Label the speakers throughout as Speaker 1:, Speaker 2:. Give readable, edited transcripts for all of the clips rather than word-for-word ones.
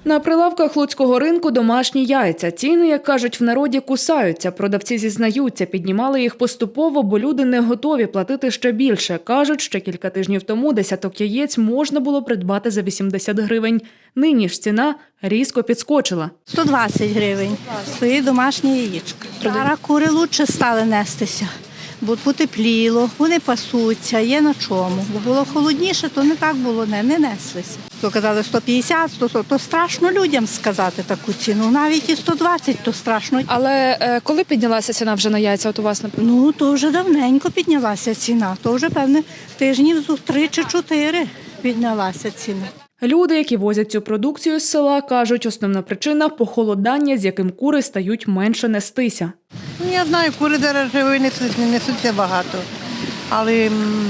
Speaker 1: На прилавках луцького ринку домашні яйця. Ціни, як кажуть в народі, кусаються. Продавці зізнаються, піднімали їх поступово, бо люди не готові платити ще більше. Кажуть, ще кілька тижнів тому десяток яєць можна було придбати за 80 гривень. Нині ж ціна різко підскочила.
Speaker 2: 120 гривень. Стоїть домашнє яєчко. Зараз кури краще стали нестися, бо потепліло, вони пасуться, є на чому. Бо було холодніше, то не так було, не неслися. То казали 150, 100, то страшно людям сказати таку ціну. Навіть і 120, то страшно.
Speaker 3: Але коли піднялася ціна вже на яйця от у вас, наприклад?
Speaker 2: Ну, то вже давненько піднялася ціна. То вже, певне, тижнів 3 чи 4 піднялася ціна.
Speaker 1: Люди, які возять цю продукцію з села, кажуть, основна причина – похолодання, з яким кури стають менше нестися.
Speaker 4: Я знаю, кури зараз несуться багато, але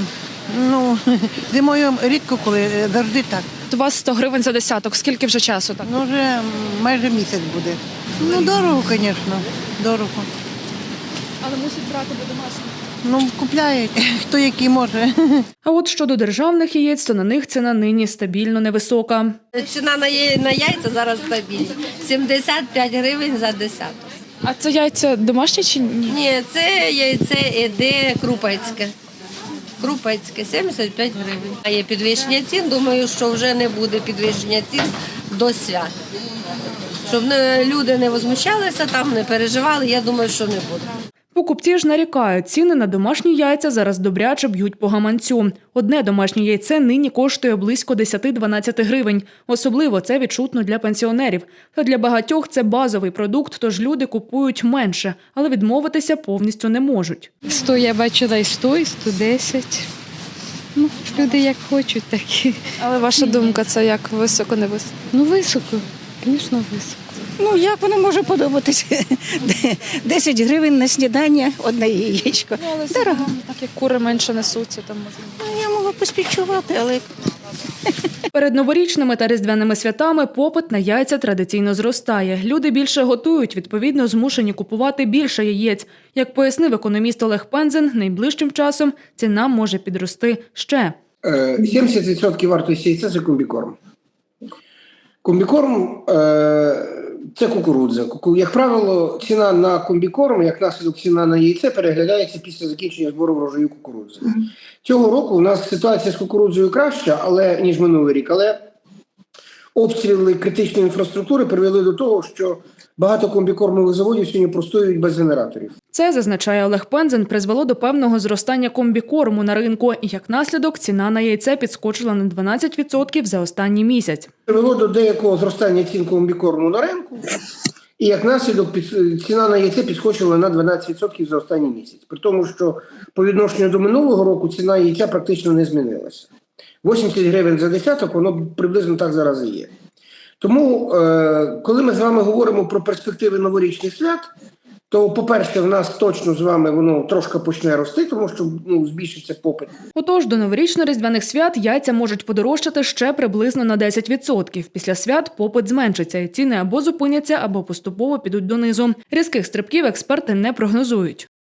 Speaker 4: зимою рідко, коли завжди так.
Speaker 3: У вас 100 гривень за десяток. Скільки вже часу так?
Speaker 4: Вже майже місяць буде. Дорого, звісно, дорого.
Speaker 3: Але мусить брати до домашніх.
Speaker 4: Купляють, хто який може.
Speaker 1: А от щодо державних яєць, то на них ціна нині стабільно невисока.
Speaker 5: Ціна на яйця зараз стабільна. 75 гривень за десяток.
Speaker 3: А це яйця домашні чи ні?
Speaker 5: Ні, це яйце іде крупецьке. Крупецьке, 75 гривень. А є підвищення цін, думаю, що вже не буде підвищення цін до свят. Щоб люди не возмущалися, там не переживали, я думаю, що не буде.
Speaker 1: Покупці ж нарікають, ціни на домашні яйця зараз добряче б'ють по гаманцю. Одне домашнє яйце нині коштує близько 10-12 гривень. Особливо це відчутно для пенсіонерів. Та для багатьох це базовий продукт, тож люди купують менше, але відмовитися повністю не можуть.
Speaker 6: 100 я бачила і 100, і 110. Люди як хочуть, так і.
Speaker 3: Але ваша думка, це як високо, не високо?
Speaker 6: Високо, звісно, високо.
Speaker 2: Як воно може подобатися? 10 гривень на снідання, одне яєчко.
Speaker 3: Але дорого. Так як кури менше несуться, там можна.
Speaker 2: Я можу поспівчувати, але
Speaker 1: Перед новорічними та різдвяними святами попит на яйця традиційно зростає. Люди більше готують, відповідно змушені купувати більше яєць. Як пояснив економіст Олег Пензен, найближчим часом ціна може підрости ще.
Speaker 7: 70% вартості яйця – це комбікорм. Комбікорм – це кукурудза. Як правило, ціна на комбікорм, як наслідок ціна на яйце, переглядається після закінчення збору врожаю кукурудзи. Цього року у нас ситуація з кукурудзою краща, ніж минулий рік, але обстріли критичної інфраструктури привели до того, що багато комбікормових заводів сьогодні простоюють без генераторів.
Speaker 1: Це, зазначає Олег Пензен, призвело до певного зростання комбікорму на ринку. І як наслідок ціна на яйце підскочила на 12% за останній місяць.
Speaker 7: Привело до деякого зростання цін комбікорму на ринку. І як наслідок ціна на яйце підскочила на 12% за останній місяць. При тому, що по відношенню до минулого року ціна яйця практично не змінилася. 80 гривень за десяток, воно приблизно так зараз і є. Тому, коли ми з вами говоримо про перспективи новорічних свят, то, по-перше, в нас точно з вами воно трошки почне рости, тому що збільшиться попит.
Speaker 1: Отож, до новорічно-різдвяних свят яйця можуть подорожчати ще приблизно на 10%. Після свят попит зменшиться, і ціни або зупиняться, або поступово підуть донизу. Різких стрибків експерти не прогнозують.